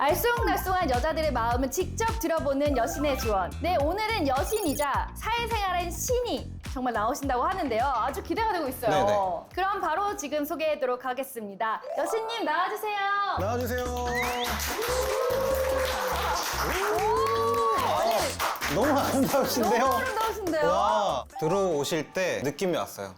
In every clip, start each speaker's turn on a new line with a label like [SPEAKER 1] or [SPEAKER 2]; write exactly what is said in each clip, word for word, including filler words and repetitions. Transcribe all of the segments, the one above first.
[SPEAKER 1] 알쏭달쏭한 여자들의 마음을 직접 들어보는 여신의 조언. 네, 오늘은 여신이자 사회생활의 신이 정말 나오신다고 하는데요. 아주 기대가 되고 있어요.
[SPEAKER 2] 네네.
[SPEAKER 1] 그럼 바로 지금 소개하도록 하겠습니다. 여신님 나와주세요.
[SPEAKER 2] 나와주세요.
[SPEAKER 1] 아니,
[SPEAKER 2] 너무 아름다우신데요?
[SPEAKER 1] 너무 아름다우신데요?
[SPEAKER 2] 와, 들어오실 때 느낌이 왔어요.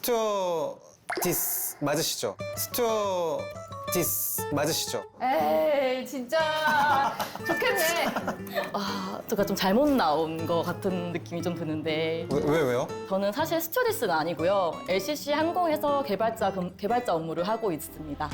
[SPEAKER 2] 스튜어디스 맞으시죠? 스튜어디스 맞으시죠?
[SPEAKER 1] 에이, 진짜 좋겠네.
[SPEAKER 3] 아, 제가 좀 잘못 나온 것 같은 느낌이 좀 드는데
[SPEAKER 2] 왜, 왜 왜요?
[SPEAKER 3] 저는 사실 스튜어디스는 아니고요. 엘씨씨 항공에서 개발자, 금- 개발자 업무를 하고 있습니다.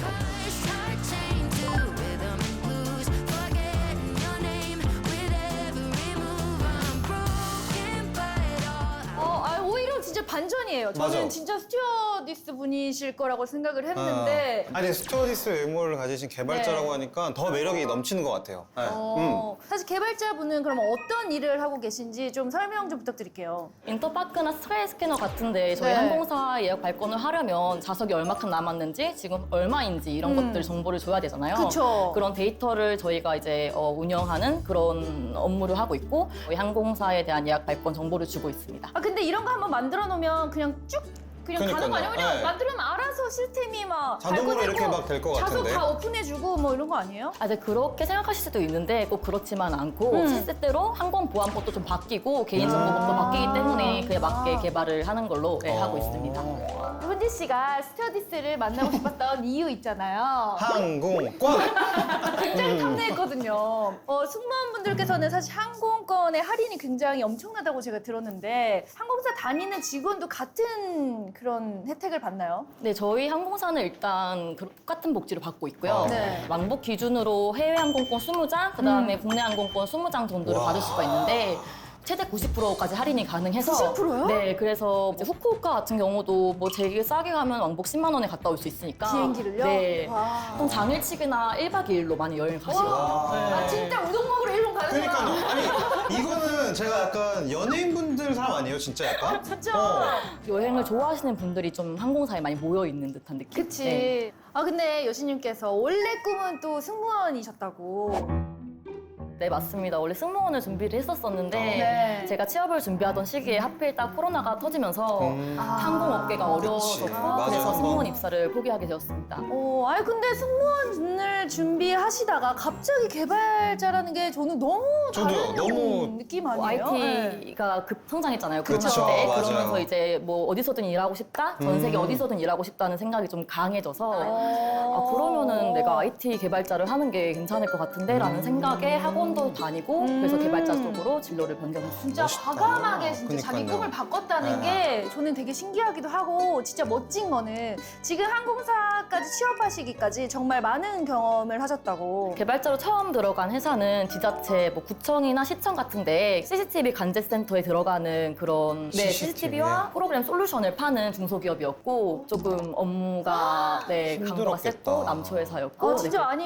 [SPEAKER 1] 어, 아, 오히려 진짜 반전이에요. 저는
[SPEAKER 2] 맞아.
[SPEAKER 1] 진짜 스튜어디스 분이실 거라고 생각을 했는데.
[SPEAKER 2] 아, 아니 스튜어디스 외모를 가지신 개발자라고
[SPEAKER 1] 네.
[SPEAKER 2] 하니까 더 매력이 넘치는 것 같아요. 네.
[SPEAKER 1] 어, 사실 개발자분은 그럼 어떤 일을 하고 계신지 좀 설명 좀 부탁드릴게요.
[SPEAKER 3] 인터파크나 스카이 스캐너 같은데 저희
[SPEAKER 1] 네.
[SPEAKER 3] 항공사 예약 발권을 하려면 좌석이 얼마큼 남았는지 지금 얼마인지 이런
[SPEAKER 1] 음.
[SPEAKER 3] 것들 정보를 줘야 되잖아요.
[SPEAKER 1] 그쵸.
[SPEAKER 3] 그런 데이터를 저희가 이제 어, 운영하는 그런 업무를 하고 있고 저희 항공사에 대한 예약 발권 정보를 주고 있습니다.
[SPEAKER 1] 아, 근데 이런 거 한번 만들어 놓으면 그냥 쭉 그냥 가는 거 아니에요?
[SPEAKER 2] 그러니까요.
[SPEAKER 1] 그냥
[SPEAKER 2] 네.
[SPEAKER 1] 만들면 알아서 시스템이 막
[SPEAKER 2] 자동으로
[SPEAKER 1] 발권되고
[SPEAKER 2] 이렇게 막될것 같은데?
[SPEAKER 1] 좌석 다 오픈해주고 뭐 이런 거 아니에요?
[SPEAKER 3] 아, 이제 그렇게 생각하실 수도 있는데 꼭 그렇지만 않고
[SPEAKER 1] 음.
[SPEAKER 3] 시스템대로 항공보안법도 좀 바뀌고 개인정보법도 바뀌기 때문에 그에 맞게
[SPEAKER 1] 아.
[SPEAKER 3] 개발을 하는 걸로 네, 하고 있습니다.
[SPEAKER 1] 훈지 씨가 스튜어디스를 만나고 싶었던 이유 있잖아요.
[SPEAKER 2] 항공권!
[SPEAKER 1] 굉장히 탐내했거든요. 어, 승무원분들께서는 사실 항공권의 할인이 굉장히 엄청나다고 제가 들었는데 항공사 다니는 직원도 같은 그런 혜택을 받나요?
[SPEAKER 3] 네, 저희 항공사는 일단 그 똑같은 복지를 받고 있고요.
[SPEAKER 1] 네.
[SPEAKER 3] 왕복 기준으로 해외 항공권 이십 장, 그다음에
[SPEAKER 1] 음.
[SPEAKER 3] 국내 항공권 이십 장 정도를
[SPEAKER 2] 와.
[SPEAKER 3] 받을 수가 있는데 최대 구십 퍼센트까지 할인이 가능해서
[SPEAKER 1] 구십 퍼센트요?
[SPEAKER 3] 네, 그래서 이제 후쿠오카 같은 경우도 뭐 제일 싸게 가면 왕복 십만 원에 갔다 올 수 있으니까
[SPEAKER 1] 비행기를요?
[SPEAKER 3] 네.
[SPEAKER 1] 와.
[SPEAKER 3] 보통 당일치기나 일 박 이 일로 많이 여행 가시거든요.
[SPEAKER 2] 와.
[SPEAKER 3] 네.
[SPEAKER 1] 아, 진짜 우동 먹으러 일본 가는구나.
[SPEAKER 2] 그러니까요. 아니 이거는 제가 약간 연예인분들 사람 아니에요, 진짜 약간?
[SPEAKER 1] 진짜.
[SPEAKER 2] 어.
[SPEAKER 3] 여행을 좋아하시는 분들이 좀 항공사에 많이 모여 있는 듯한 느낌.
[SPEAKER 1] 그치.
[SPEAKER 3] 네.
[SPEAKER 1] 아, 근데 여신님께서 원래 꿈은 또 승무원이셨다고.
[SPEAKER 3] 네, 맞습니다. 원래 승무원을 준비를 했었었는데
[SPEAKER 1] 네.
[SPEAKER 3] 제가 취업을 준비하던 시기에 하필 딱 코로나가 터지면서
[SPEAKER 2] 음.
[SPEAKER 1] 아.
[SPEAKER 3] 항공업계가
[SPEAKER 2] 그치.
[SPEAKER 3] 어려워졌고
[SPEAKER 2] 맞아요.
[SPEAKER 3] 그래서
[SPEAKER 2] 한번.
[SPEAKER 3] 승무원 입사를 포기하게 되었습니다.
[SPEAKER 1] 어, 아니 근데 승무원을 준비하시다가 갑자기 개발자라는 게 저는 너무
[SPEAKER 2] 저도요,
[SPEAKER 1] 다른
[SPEAKER 2] 너무-
[SPEAKER 1] 느낌
[SPEAKER 3] 뭐
[SPEAKER 1] 아니에요? 네.
[SPEAKER 3] 아이티가 급성장했잖아요.
[SPEAKER 2] 그쵸,
[SPEAKER 3] 코로나 때.
[SPEAKER 2] 맞아요.
[SPEAKER 3] 그러면서 이제 뭐 어디서든 일하고 싶다, 전 세계
[SPEAKER 2] 음.
[SPEAKER 3] 어디서든 일하고 싶다는 생각이 좀 강해져서
[SPEAKER 1] 어.
[SPEAKER 3] 아, 그러면은 내가 아이티 개발자를 하는 게 괜찮을 것 같은데 라는
[SPEAKER 2] 음.
[SPEAKER 3] 생각에 학원도 다니고 그래서 개발자 쪽으로 진로를 변경했습니다.
[SPEAKER 1] 진짜
[SPEAKER 2] 멋있다.
[SPEAKER 1] 과감하게 진짜 자기
[SPEAKER 2] 그니까요.
[SPEAKER 1] 꿈을 바꿨다는
[SPEAKER 2] 네.
[SPEAKER 1] 게 저는 되게 신기하기도 하고 진짜 멋진 거는 지금 항공사까지 취업하시기까지 정말 많은 경험을 하셨다고.
[SPEAKER 3] 개발자로 처음 들어간 회사는 지자체, 뭐 구청이나 시청 같은데 씨씨티비 관제센터에 들어가는 그런 네,
[SPEAKER 2] 씨씨티비.
[SPEAKER 3] 씨씨티비와 프로그램 솔루션을 파는 중소기업이었고 조금 업무가 네, 강도가
[SPEAKER 2] 힘들었겠다.
[SPEAKER 3] 셌고 남초 회사였고
[SPEAKER 1] 아, 진짜
[SPEAKER 3] 네,
[SPEAKER 1] 아니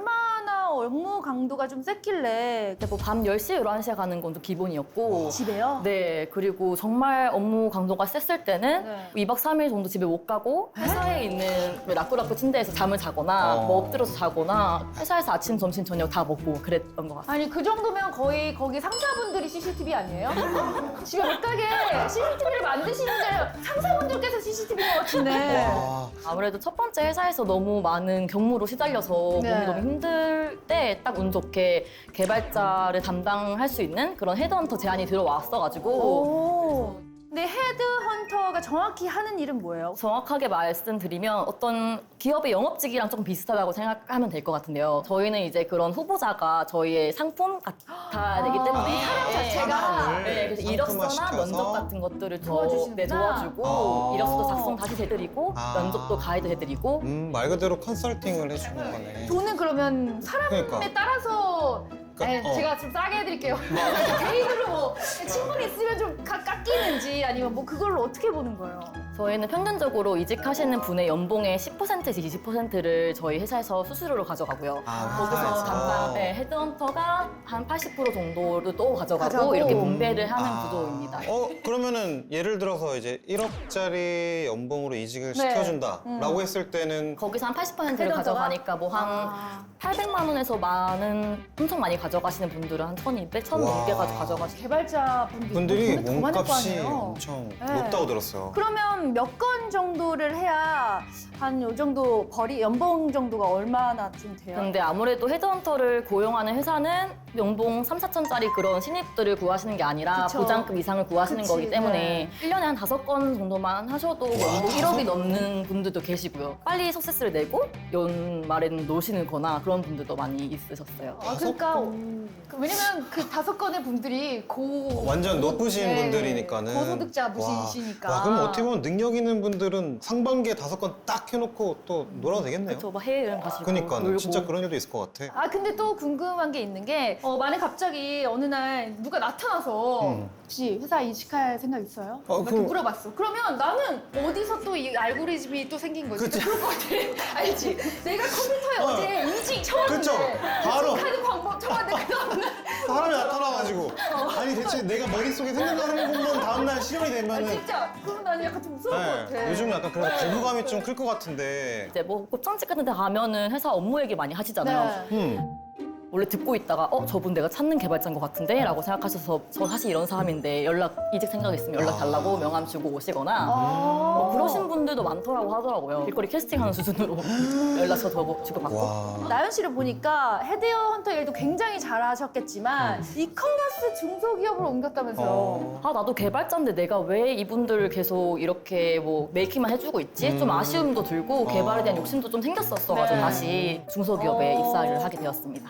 [SPEAKER 1] 얼마나 업무 강도가 좀 셌길래
[SPEAKER 3] 뭐 밤 열 시, 열한 시에 가는 건 좀 기본이었고
[SPEAKER 1] 집에요?
[SPEAKER 3] 네, 그리고 정말 업무 강도가 셌을 때는
[SPEAKER 1] 네.
[SPEAKER 3] 이 박 삼 일 정도 집에 못 가고 회사에 있는 라꾸라꾸 침대에서 잠을 자거나
[SPEAKER 2] 어.
[SPEAKER 3] 뭐 엎드려서 자거나 회사에서 아침, 점심, 저녁 다 먹고 그랬던 것 같아요.
[SPEAKER 1] 아니 그 정도면 거의 거기 상사분들이 씨씨티비 아니에요? 집에 못 가게 씨씨티비를 만드시는데 상사분들께서 씨씨티비인 것 같은데.
[SPEAKER 2] 와.
[SPEAKER 3] 아무래도 첫 번째 회사에서 너무 많은 경무로 시달려서
[SPEAKER 1] 네.
[SPEAKER 3] 몸이 너무 힘들 때 딱 운 좋게 개발자를 담당할 수 있는 그런 헤드헌터 제안이 들어왔어가지고
[SPEAKER 1] 오. 근데 헤드헌터가 정확히 하는 일은 뭐예요?
[SPEAKER 3] 정확하게 말씀드리면 어떤 기업의 영업직이랑 조금 비슷하다고 생각하면 될 것 같은데요. 저희는 이제 그런 후보자가 저희의 상품 같아야 되기 때문에
[SPEAKER 1] 사람
[SPEAKER 3] 네,
[SPEAKER 1] 자체가.
[SPEAKER 3] 네, 그래서 이력서나
[SPEAKER 2] 상품화시켜서?
[SPEAKER 3] 면접 같은 것들을 더
[SPEAKER 1] 도와주시는구나.
[SPEAKER 3] 네, 도와주고
[SPEAKER 2] 아.
[SPEAKER 3] 이력서도 작성 다시 해드리고
[SPEAKER 2] 아.
[SPEAKER 3] 면접도 가이드 해드리고
[SPEAKER 2] 음, 말 그대로 컨설팅을 해주는 거네.
[SPEAKER 1] 돈은 그러면 사람에
[SPEAKER 2] 그러니까.
[SPEAKER 1] 따라서
[SPEAKER 2] 그러니까,
[SPEAKER 1] 에,
[SPEAKER 2] 어.
[SPEAKER 1] 제가 좀 싸게 해드릴게요. 개인으로 뭐 친분이 있으면 좀 가- 깎이는지 아니면 뭐 그걸로 어떻게 보는 거예요?
[SPEAKER 3] 저희는 평균적으로 이직하시는 분의 연봉의 십 퍼센트에서 이십 퍼센트를 저희 회사에서 수수료로 가져가고요.
[SPEAKER 2] 아,
[SPEAKER 3] 거기서
[SPEAKER 2] 회사에서?
[SPEAKER 3] 담당 네, 헤드헌터가 한 팔십 퍼센트 정도를 또 가져가고,
[SPEAKER 1] 가져가고.
[SPEAKER 3] 이렇게 분배를 하는
[SPEAKER 2] 아.
[SPEAKER 3] 구조입니다.
[SPEAKER 2] 어, 그러면은 예를 들어서 이제 일억짜리 연봉으로 이직을
[SPEAKER 1] 네.
[SPEAKER 2] 시켜준다라고 했을 때는
[SPEAKER 3] 거기서 한 팔십 퍼센트를
[SPEAKER 1] 헤드헌터가?
[SPEAKER 3] 가져가니까 뭐 한
[SPEAKER 1] 아.
[SPEAKER 3] 팔백만 원에서 만은 엄청 많이 가져가시는 분들은 한 천이백, 천
[SPEAKER 2] 와.
[SPEAKER 3] 넘게 가져가시고.
[SPEAKER 1] 개발자 분들이,
[SPEAKER 2] 분들이
[SPEAKER 1] 돈을 더 많을 거
[SPEAKER 2] 몸값이
[SPEAKER 1] 아니에요.
[SPEAKER 2] 엄청
[SPEAKER 1] 네.
[SPEAKER 2] 높다고 들었어요.
[SPEAKER 1] 그러면 몇 건 정도를 해야 한 요 정도 벌이 연봉 정도가 얼마나 좀 돼요?
[SPEAKER 3] 근데 아무래도 헤드헌터를 고용하는 회사는 연봉 삼, 사천짜리 그런 신입들을 구하시는 게 아니라
[SPEAKER 1] 그쵸.
[SPEAKER 3] 보장급 이상을 구하시는
[SPEAKER 1] 그치,
[SPEAKER 3] 거기 때문에
[SPEAKER 1] 네.
[SPEAKER 3] 일 년에 한 다섯 건 정도만 하셔도 연봉
[SPEAKER 2] 다섯
[SPEAKER 3] 일억이 넘는 분들도 계시고요. 빨리 석세스를 내고 연말에는 노시는 거나 그런 분들도 많이 있으셨어요.
[SPEAKER 1] 아, 그러니까 그 왜냐면 그 다섯 건의 분들이 고
[SPEAKER 2] 완전 높으신
[SPEAKER 1] 네,
[SPEAKER 2] 분들이니까는.
[SPEAKER 1] 고소득자
[SPEAKER 2] 와.
[SPEAKER 1] 분이시니까.
[SPEAKER 2] 와, 그럼 어떻게 보면 능력 있는 분들은 상반기에 다섯 건 딱 해놓고 또 놀아도 되겠네요.
[SPEAKER 3] 그렇죠. 막 해외여행 가시고
[SPEAKER 2] 그러니까
[SPEAKER 3] 놀고.
[SPEAKER 2] 진짜 그런 일도 있을 것 같아.
[SPEAKER 1] 아 근데 또 궁금한 게 있는 게 어, 만약 갑자기 어느 날 누가 나타나서
[SPEAKER 2] 음.
[SPEAKER 1] 혹시 회사 이직할 생각 있어요?
[SPEAKER 2] 어,
[SPEAKER 1] 이렇게
[SPEAKER 2] 그럼-
[SPEAKER 1] 물어봤어. 그러면 나는 어디서 또 이 알고리즘이 또 생긴 거지?
[SPEAKER 2] 그치.
[SPEAKER 1] 그럴 것 같아. 알지? 내가 컴퓨터에
[SPEAKER 2] 어.
[SPEAKER 1] 어. 제 이직 쳐봤는데
[SPEAKER 2] 그쵸. 바로.
[SPEAKER 1] 이직하는 방법 쳐봤는데 그 다음날
[SPEAKER 2] 사람이 나타나가지고 아니 대체 내가 머릿속에 생각하는 것만 다음날 실현이
[SPEAKER 1] 아,
[SPEAKER 2] 되면은
[SPEAKER 1] 진짜 그럼 나는 약간 좀 무서울 것 같아.
[SPEAKER 2] 네, 요즘 약간 그래서 거부감이 좀 클 것 같은데.
[SPEAKER 3] 이제 뭐 곱창집 같은 데 가면은 회사 업무 얘기 많이 하시잖아요.
[SPEAKER 1] 네.
[SPEAKER 2] 음.
[SPEAKER 3] 원래 듣고 있다가 어 저분 내가 찾는 개발자인 것 같은데 라고 생각하셔서 저 사실 이런 사람인데 연락 이직 생각 있으면 연락 달라고 명함 주고 오시거나 뭐 그러신 분들도 많더라고 하더라고요. 길거리 캐스팅하는 수준으로 연락처 더 주고받고.
[SPEAKER 2] 와.
[SPEAKER 1] 나연 씨를 보니까 헤드헌터 일도 굉장히 잘하셨겠지만 이커머스 중소기업으로 옮겼다면서요.
[SPEAKER 2] 어.
[SPEAKER 3] 아 나도 개발자인데 내가 왜 이분들을 계속 이렇게 뭐 메이킹만 해주고 있지? 좀
[SPEAKER 2] 음.
[SPEAKER 3] 아쉬움도 들고 개발에 대한 욕심도 좀 생겼었어가지고
[SPEAKER 1] 네.
[SPEAKER 3] 다시 중소기업에
[SPEAKER 1] 어.
[SPEAKER 3] 입사를 하게 되었습니다.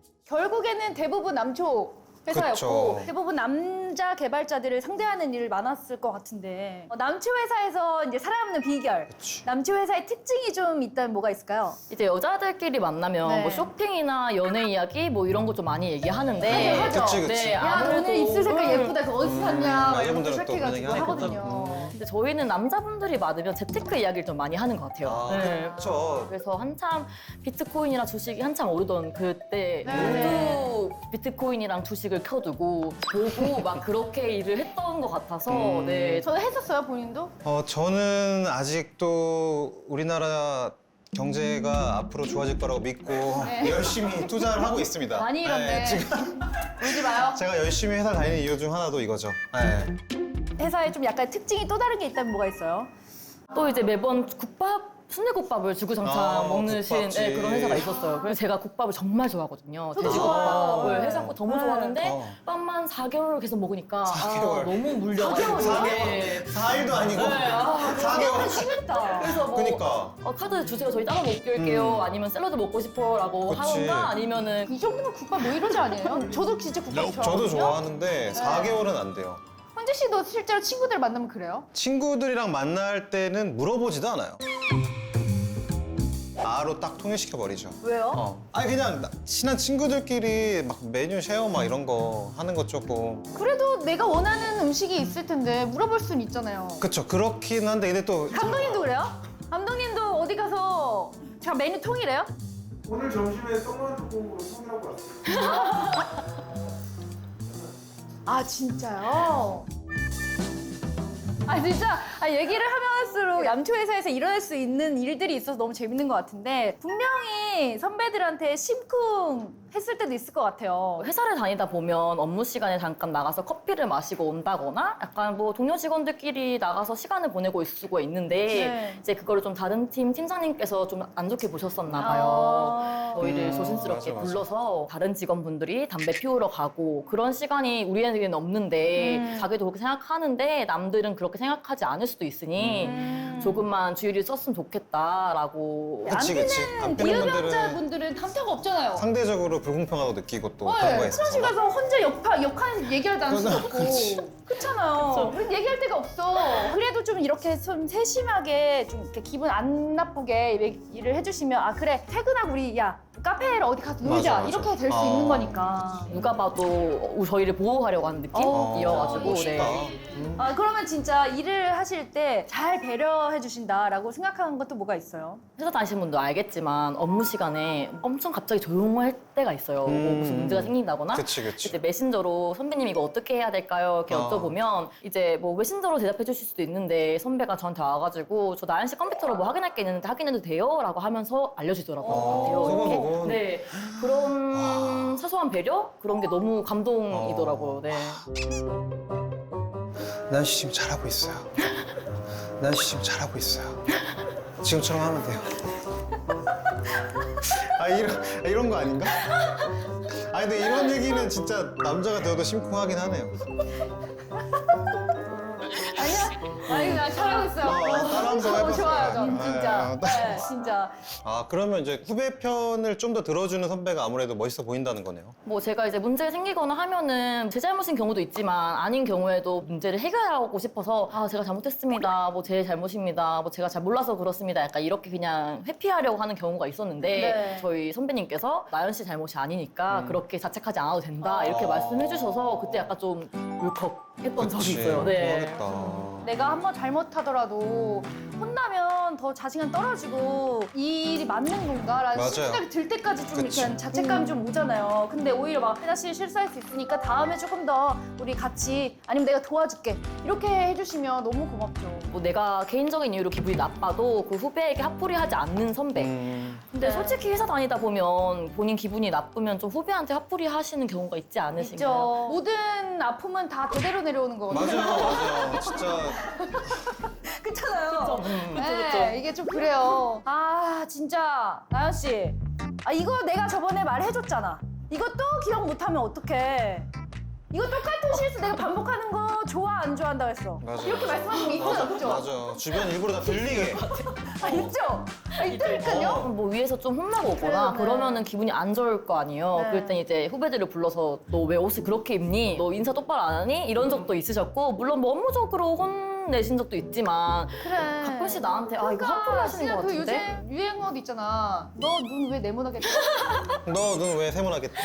[SPEAKER 1] 결국에는 대부분 남초 회사였고
[SPEAKER 2] 그쵸.
[SPEAKER 1] 대부분 남자 개발자들을 상대하는 일이 많았을 것 같은데 어, 남초 회사에서 이제 살아남는 비결
[SPEAKER 2] 그치.
[SPEAKER 1] 남초 회사의 특징이 좀 있다면 뭐가 있을까요?
[SPEAKER 3] 이제 여자들끼리 만나면
[SPEAKER 1] 네.
[SPEAKER 3] 뭐 쇼핑이나 연애 이야기 뭐 이런 거 좀 많이 얘기하는데
[SPEAKER 1] 하죠, 하죠.
[SPEAKER 2] 그치, 그치.
[SPEAKER 3] 네,
[SPEAKER 1] 야 너 오늘 입술 색깔
[SPEAKER 3] 음.
[SPEAKER 1] 예쁘다 그거 어디서 샀냐 막 이런 거
[SPEAKER 2] 여자분들은 또
[SPEAKER 1] 시작해가지고
[SPEAKER 2] 그런 얘기
[SPEAKER 1] 하거든요.
[SPEAKER 3] 근데 저희는 남자분들이 많으면 재테크 이야기를 좀 많이 하는 것 같아요.
[SPEAKER 2] 아,
[SPEAKER 3] 네.
[SPEAKER 2] 그쵸.
[SPEAKER 3] 그래서 한참 비트코인이랑 주식이 한참 오르던 그때
[SPEAKER 1] 네.
[SPEAKER 3] 모두 비트코인이랑 주식을 켜두고 보고 막 그렇게 일을 했던 것 같아서
[SPEAKER 2] 음.
[SPEAKER 3] 네.
[SPEAKER 1] 저는 했었어요 본인도?
[SPEAKER 2] 어, 저는 아직도 우리나라 경제가 앞으로 좋아질 거라고 믿고
[SPEAKER 1] 네.
[SPEAKER 2] 열심히 투자를 하고 있습니다.
[SPEAKER 1] 많이 잃었네.
[SPEAKER 2] 네, 지금
[SPEAKER 1] 울지 마요.
[SPEAKER 2] 제가 열심히 회사 다니는 이유 중 하나도 이거죠. 네.
[SPEAKER 1] 회사에 좀 약간 특징이 또 다른 게 있다면 뭐가 있어요?
[SPEAKER 3] 또 이제 매번 국밥 순대국밥을 주구장창
[SPEAKER 2] 아,
[SPEAKER 3] 먹는
[SPEAKER 2] 국밥집.
[SPEAKER 3] 네, 그런 회사가 있었어요. 그래서 제가 국밥을 정말 좋아하거든요.
[SPEAKER 1] 저도
[SPEAKER 3] 돼지국밥을
[SPEAKER 1] 좋아요.
[SPEAKER 3] 회사 거 너무
[SPEAKER 1] 네.
[SPEAKER 3] 좋아하는데
[SPEAKER 2] 어.
[SPEAKER 3] 빵만 사 개월 계속 먹으니까
[SPEAKER 2] 사
[SPEAKER 3] 아,
[SPEAKER 2] 개월.
[SPEAKER 3] 너무 물려가지고
[SPEAKER 1] 사
[SPEAKER 3] 네.
[SPEAKER 2] 사 일도 아니고
[SPEAKER 3] 아,
[SPEAKER 2] 사 개월.
[SPEAKER 1] 심했다.
[SPEAKER 3] 그래서 뭐
[SPEAKER 2] 그니까.
[SPEAKER 3] 어, 카드 주세요 저희 따로 먹을게요
[SPEAKER 2] 음.
[SPEAKER 3] 아니면 샐러드 먹고 싶어라고
[SPEAKER 2] 그치.
[SPEAKER 3] 하던가 아니면은
[SPEAKER 1] 이 정도면 국밥 뭐 이러지 아니에요? 저도 진짜 국밥 좋아하거든요.
[SPEAKER 2] 저도 좋아하는데 사
[SPEAKER 1] 네.
[SPEAKER 2] 개월은 안 돼요.
[SPEAKER 1] 헌재 씨도 실제로 친구들 만나면 그래요?
[SPEAKER 2] 친구들이랑 만날 때는 물어보지도 않아요. 바로 딱 통일시켜 버리죠.
[SPEAKER 1] 왜요?
[SPEAKER 2] 어. 아니 그냥 나- 친한 친구들끼리 막 메뉴 쉐어 막 이런 거 하는 것 조금
[SPEAKER 1] 그래도 내가 원하는 음식이 있을 텐데 물어볼 수는 있잖아요.
[SPEAKER 2] 그쵸 그렇긴 한데 근데 또
[SPEAKER 1] 감독님도 그래요? 감독님도 어디 가서 제가 메뉴 통일해요?
[SPEAKER 4] 오늘 점심에 썩는 뚜껑으로 통일하고 왔어요.
[SPEAKER 1] 아 진짜요? 아 진짜 아, 얘기를 하면 할수록 얌초 회사에서 일어날 수 있는 일들이 있어서 너무 재밌는 것 같은데 분명히 선배들한테 심쿵 했을 때도 있을 것 같아요.
[SPEAKER 3] 회사를 다니다 보면 업무 시간에 잠깐 나가서 커피를 마시고 온다거나 약간 뭐 동료 직원들끼리 나가서 시간을 보내고 있을 수가 있는데
[SPEAKER 1] 네.
[SPEAKER 3] 이제 그거를 좀 다른 팀 팀장님께서 좀 안 좋게 보셨었나 봐요.
[SPEAKER 1] 아.
[SPEAKER 3] 저희를
[SPEAKER 2] 음,
[SPEAKER 3] 조심스럽게
[SPEAKER 2] 맞아, 맞아.
[SPEAKER 3] 불러서 다른 직원분들이 담배 피우러 가고 그런 시간이 우리에게는 없는데
[SPEAKER 1] 음.
[SPEAKER 3] 자기도 그렇게 생각하는데 남들은 그렇게 생각하지 않을 수도 있으니
[SPEAKER 1] 음.
[SPEAKER 3] 조금만 주의를 썼으면 좋겠다라고
[SPEAKER 2] 그치 그치 안 피는 분들은
[SPEAKER 1] 비흡연자분들은 탐탁 없잖아요.
[SPEAKER 2] 상대적으로 불공평하다고 느끼고 또
[SPEAKER 1] 네,
[SPEAKER 2] 그런 거
[SPEAKER 1] 화장실
[SPEAKER 2] 있어서
[SPEAKER 1] 가서 혼자 옆, 옆칸에서 얘기를 할 수도 없고
[SPEAKER 2] 그치.
[SPEAKER 1] 그렇잖아요. 우린 얘기할 데가 없어. 그래도 좀 이렇게 좀 세심하게 좀 이렇게 기분 안 나쁘게 얘기를 해주시면 아 그래 퇴근하고 우리 야 카페를 어디 가서 놀자
[SPEAKER 2] 맞아, 맞아.
[SPEAKER 1] 이렇게 될 수
[SPEAKER 2] 아.
[SPEAKER 1] 있는 거니까.
[SPEAKER 3] 누가 봐도 저희를 보호하려고 하는
[SPEAKER 1] 어,
[SPEAKER 3] 느낌이어가지고
[SPEAKER 2] 멋있다.
[SPEAKER 3] 네.
[SPEAKER 2] 음.
[SPEAKER 1] 아, 그러면 진짜 일을 하실 때 잘 배려해 주신다라고 생각하는 것도 뭐가 있어요?
[SPEAKER 3] 회사 다니시는 분도 알겠지만 업무 시간에 엄청 갑자기 조용할 때가 있어요. 뭐
[SPEAKER 2] 음.
[SPEAKER 3] 무슨 문제가 생긴다거나
[SPEAKER 2] 그치 그치.
[SPEAKER 3] 이제 메신저로 선배님 이거 어떻게 해야 될까요? 이렇게
[SPEAKER 2] 아.
[SPEAKER 3] 여쭤보면 이제 뭐 메신저로 대답해 주실 수도 있는데 선배가 저한테 와가지고 저 나연 씨 컴퓨터로 뭐 확인할 게 있는데 확인해도 돼요? 라고 하면서 알려주더라고요.
[SPEAKER 1] 어.
[SPEAKER 3] 돼요, 이렇게.
[SPEAKER 2] 소곤소곤.
[SPEAKER 3] 네. 그런 사소한 배려? 그런 게 너무 감동이더라고요. 네.
[SPEAKER 2] 난 씨 지금 잘하고 있어요. 난 씨 지금 잘하고 있어요. 지금처럼 하면 돼요. 아 이런 아, 이런 거 아닌가? 아 근데 이런 얘기는 진짜 남자가 되어도 심쿵하긴 하네요.
[SPEAKER 1] 아니야? 아니, 나 잘하고 있어요.
[SPEAKER 2] 어, 따라 한번
[SPEAKER 1] 너무
[SPEAKER 2] 해봤어요.
[SPEAKER 1] 좋아요, 저
[SPEAKER 2] 네,
[SPEAKER 1] 진짜.
[SPEAKER 2] 어,
[SPEAKER 1] 네, 진짜.
[SPEAKER 2] 아 그러면 이제 후배 편을 좀 더 들어주는 선배가 아무래도 멋있어 보인다는 거네요.
[SPEAKER 3] 뭐 제가 이제 문제가 생기거나 하면은 제 잘못인 경우도 있지만 아닌 경우에도 문제를 해결하고 싶어서 아 제가 잘못했습니다. 뭐 제 잘못입니다. 뭐 제가 잘 몰라서 그렇습니다. 약간 이렇게 그냥 회피하려고 하는 경우가 있었는데
[SPEAKER 1] 네.
[SPEAKER 3] 저희 선배님께서 나연 씨 잘못이 아니니까
[SPEAKER 2] 음.
[SPEAKER 3] 그렇게 자책하지 않아도 된다 이렇게
[SPEAKER 2] 아.
[SPEAKER 3] 말씀해 주셔서 그때 약간 좀 울컥했던 적이
[SPEAKER 2] 그치,
[SPEAKER 3] 있어요. 네.
[SPEAKER 2] 그러겠다.
[SPEAKER 1] 내가 한번 잘못하더라도 혼나면 더 자신감 떨어지고 이 일이 맞는 건가라는
[SPEAKER 2] 맞아요.
[SPEAKER 1] 생각이 들 때까지 좀
[SPEAKER 2] 그치.
[SPEAKER 1] 이렇게 자책감이 좀 오잖아요. 근데 오히려 막 다시 실수할 수 있으니까 다음에 조금 더 우리 같이 아니면 내가 도와줄게 이렇게 해주시면 너무 고맙죠.
[SPEAKER 3] 뭐 내가 개인적인 이유로 기분이 나빠도 그 후배에게 화풀이하지 않는 선배.
[SPEAKER 2] 음,
[SPEAKER 3] 근데
[SPEAKER 1] 네.
[SPEAKER 3] 솔직히 회사 다니다 보면 본인 기분이 나쁘면 좀 후배한테 화풀이 하시는 경우가 있지 않으신가요?
[SPEAKER 1] 있죠. 모든 아픔은 다 대대로 내려오는 거거든요.
[SPEAKER 2] 맞아요, 맞아요. 진짜
[SPEAKER 1] 그렇잖아요.
[SPEAKER 3] 음,
[SPEAKER 1] 네,
[SPEAKER 3] 그쵸.
[SPEAKER 1] 이게 좀 그래요. 아, 진짜 나연 씨, 아 이거 내가 저번에 말해줬잖아. 이거 또 기억 못하면 어떡해? 이거 똑같은 실수 내가 반복하는 거 좋아 안 좋아한다고 했어.
[SPEAKER 2] 맞아요.
[SPEAKER 1] 이렇게 말씀하시는 게 있어요, 없죠?
[SPEAKER 2] 맞아. 주변 일부러 다 들리게.
[SPEAKER 1] 아, 있죠? 아, 있다니까요.
[SPEAKER 3] 뭐 위에서 좀 혼나고 오거나
[SPEAKER 1] 네.
[SPEAKER 3] 그러면은 기분이 안 좋을 거 아니에요.
[SPEAKER 1] 네.
[SPEAKER 3] 그럴 땐 이제 후배들을 불러서 너 왜 옷을 그렇게 입니? 너 인사 똑바로 안 하니? 이런 적도 있으셨고 물론 뭐 업무적으로 혼내신 적도 있지만
[SPEAKER 1] 그래.
[SPEAKER 3] 가끔씩 나한테 아 이거 화풀이 하시는 것
[SPEAKER 1] 그
[SPEAKER 3] 같은데?
[SPEAKER 1] 요새 유행어도 있잖아. 너 눈 왜 네모나겠다?
[SPEAKER 2] 너 눈 왜 세모나겠다?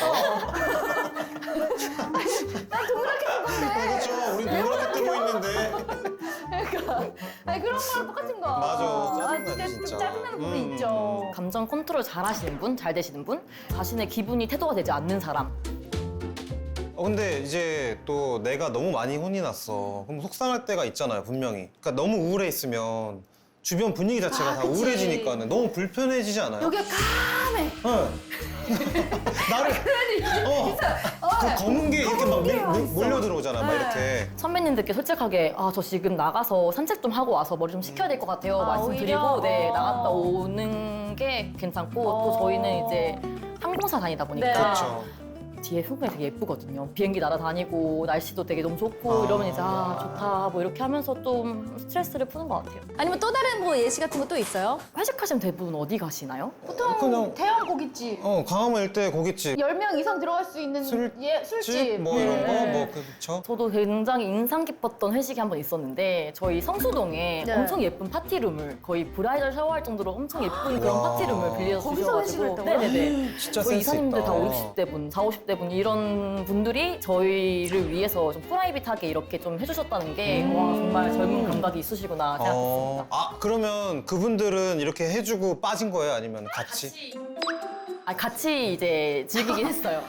[SPEAKER 1] 난 동그랗게 뜬 건데.
[SPEAKER 2] 그렇죠. 우리 누구렇게 뜨고 있는데.
[SPEAKER 1] 그러니까. 아니 그런 거랑 똑같은 거.
[SPEAKER 2] 맞아.
[SPEAKER 1] 아,
[SPEAKER 2] 짜증나지,
[SPEAKER 1] 진짜 좀
[SPEAKER 2] 진짜.
[SPEAKER 1] 짜증나는 부분이
[SPEAKER 2] 음,
[SPEAKER 1] 있죠.
[SPEAKER 3] 감정 컨트롤 잘 하시는 분, 잘 되시는 분, 자신의 기분이 태도가 되지 않는 사람.
[SPEAKER 2] 어, 근데 이제 또 내가 너무 많이 혼이 났어. 그럼 속상할 때가 있잖아요, 분명히. 그러니까 너무 우울해 있으면 주변 분위기 자체가
[SPEAKER 1] 아,
[SPEAKER 2] 다
[SPEAKER 1] 그치.
[SPEAKER 2] 우울해지니까는 너무 불편해지지 않아요?
[SPEAKER 1] 여기가 까매.
[SPEAKER 2] 응. 나를 어, 그 검은 게 이렇게 막 밀- 밀- 몰려 들어오잖아, 막
[SPEAKER 1] 네.
[SPEAKER 2] 이렇게.
[SPEAKER 3] 선배님들께 솔직하게 아 저 지금 나가서 산책 좀 하고 와서 머리 좀 식혀야 될 것 같아요
[SPEAKER 1] 아,
[SPEAKER 3] 말씀드리고
[SPEAKER 1] 오히려?
[SPEAKER 3] 네
[SPEAKER 1] 어.
[SPEAKER 3] 나갔다 오는 게 괜찮고
[SPEAKER 1] 어.
[SPEAKER 3] 또 저희는 이제 항공사 다니다 보니까
[SPEAKER 1] 네.
[SPEAKER 2] 그렇죠.
[SPEAKER 3] 뒤에 풍경이 되게 예쁘거든요. 비행기 날아다니고 날씨도 되게 너무 좋고
[SPEAKER 2] 아.
[SPEAKER 3] 이러면 이제 아 좋다 뭐 이렇게 하면서 좀 스트레스를 푸는 것 같아요.
[SPEAKER 1] 아니면 또 다른 뭐 예시 같은 거 또 있어요?
[SPEAKER 3] 회식하시면 대부분 어디 가시나요?
[SPEAKER 1] 보통
[SPEAKER 2] 그냥-
[SPEAKER 1] 대형 고깃집.
[SPEAKER 2] 어, 강화문 일대 고깃집,
[SPEAKER 1] 열 명 이상 들어갈 수 있는
[SPEAKER 2] 술-
[SPEAKER 1] 예, 술집.
[SPEAKER 2] 집, 뭐 이런 거,
[SPEAKER 1] 네.
[SPEAKER 2] 뭐 그렇죠.
[SPEAKER 3] 저도 굉장히 인상 깊었던 회식이 한 번 있었는데 저희 성수동에
[SPEAKER 1] 네.
[SPEAKER 3] 엄청 예쁜 파티룸을 거의 브라이덜 샤워할 정도로 엄청 예쁜 그런
[SPEAKER 2] 와.
[SPEAKER 3] 파티룸을 빌려서
[SPEAKER 1] 거기서 회식을
[SPEAKER 3] 주셔가지고
[SPEAKER 1] 했다고요?
[SPEAKER 3] 네네네.
[SPEAKER 2] 진짜
[SPEAKER 3] 거의
[SPEAKER 2] 센스
[SPEAKER 3] 이사님들
[SPEAKER 2] 있다.
[SPEAKER 3] 다 오십 대 분, 사오십 대 분 이런 분들이 저희를 위해서 좀 프라이빗하게 이렇게 좀 해주셨다는 게 와 정말 젊은 감각이 있으시구나 생각했습니다.
[SPEAKER 2] 어, 아 그러면 그분들은 이렇게 해주고 빠진 거예요? 아니면 같이?
[SPEAKER 3] 아, 같이 이제 즐기긴 했어요.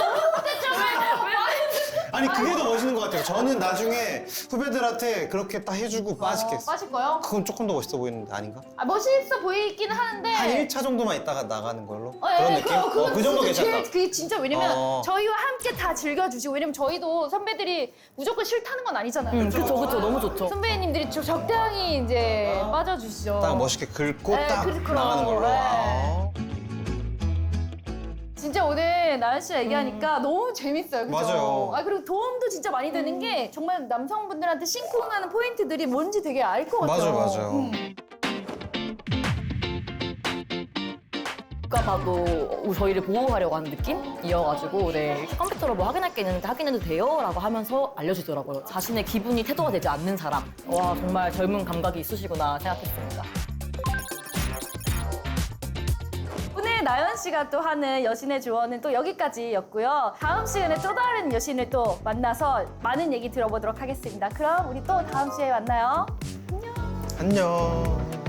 [SPEAKER 2] 아니 그게 더 멋있는 것 같아요. 저는 나중에 후배들한테 그렇게 딱 해주고 빠지겠어.
[SPEAKER 1] 빠질 거요?
[SPEAKER 2] 그건 조금 더 멋있어 보이는데 아닌가?
[SPEAKER 1] 아, 멋있어 보이긴 하는데.
[SPEAKER 2] 한 일 차 정도만 있다가 나가는 걸로?
[SPEAKER 1] 어,
[SPEAKER 2] 그런
[SPEAKER 1] 예,
[SPEAKER 2] 느낌?
[SPEAKER 1] 그거, 그거
[SPEAKER 2] 어, 그 정도
[SPEAKER 1] 진짜
[SPEAKER 2] 괜찮다.
[SPEAKER 1] 제일, 그게 진짜 왜냐면
[SPEAKER 2] 어.
[SPEAKER 1] 저희와 함께 다 즐겨주시고 왜냐면 저희도 선배들이 무조건 싫다는 건 아니잖아요.
[SPEAKER 3] 음, 그쵸, 그쵸. 너무 좋죠.
[SPEAKER 1] 선배님들이 좀 적당히 이제 빠져주시죠.
[SPEAKER 2] 딱 멋있게 긁고
[SPEAKER 1] 네,
[SPEAKER 2] 딱
[SPEAKER 1] 그렇구나.
[SPEAKER 2] 나가는 걸로.
[SPEAKER 1] 네.
[SPEAKER 2] 아.
[SPEAKER 1] 진짜 오늘 나연 씨 얘기하니까 너무 재밌어요. 그죠?
[SPEAKER 2] 맞아요.
[SPEAKER 1] 아, 그리고 도움도 진짜 많이 되는 게 정말 남성분들한테 심쿵하는 포인트들이 뭔지 되게 알 것 같아요.
[SPEAKER 2] 맞아요, 맞아요.
[SPEAKER 1] 음.
[SPEAKER 3] 누가 봐도 저희를 보호하려고 하는 느낌이어가지고 네, 컴퓨터로 뭐 확인할 게 있는데 확인해도 돼요? 라고 하면서 알려주더라고요. 자신의 기분이 태도가 되지 않는 사람. 와 정말 젊은 감각이 있으시구나 생각했습니다.
[SPEAKER 1] 오늘 오늘 나연 씨가 또 하는 여신의 조언은 또 여기까지였고요. 다음 시간에 또 다른 여신을 또 만나서 많은 얘기 들어보도록 하겠습니다. 그럼 우리 또 다음 주에 만나요.
[SPEAKER 2] 안녕.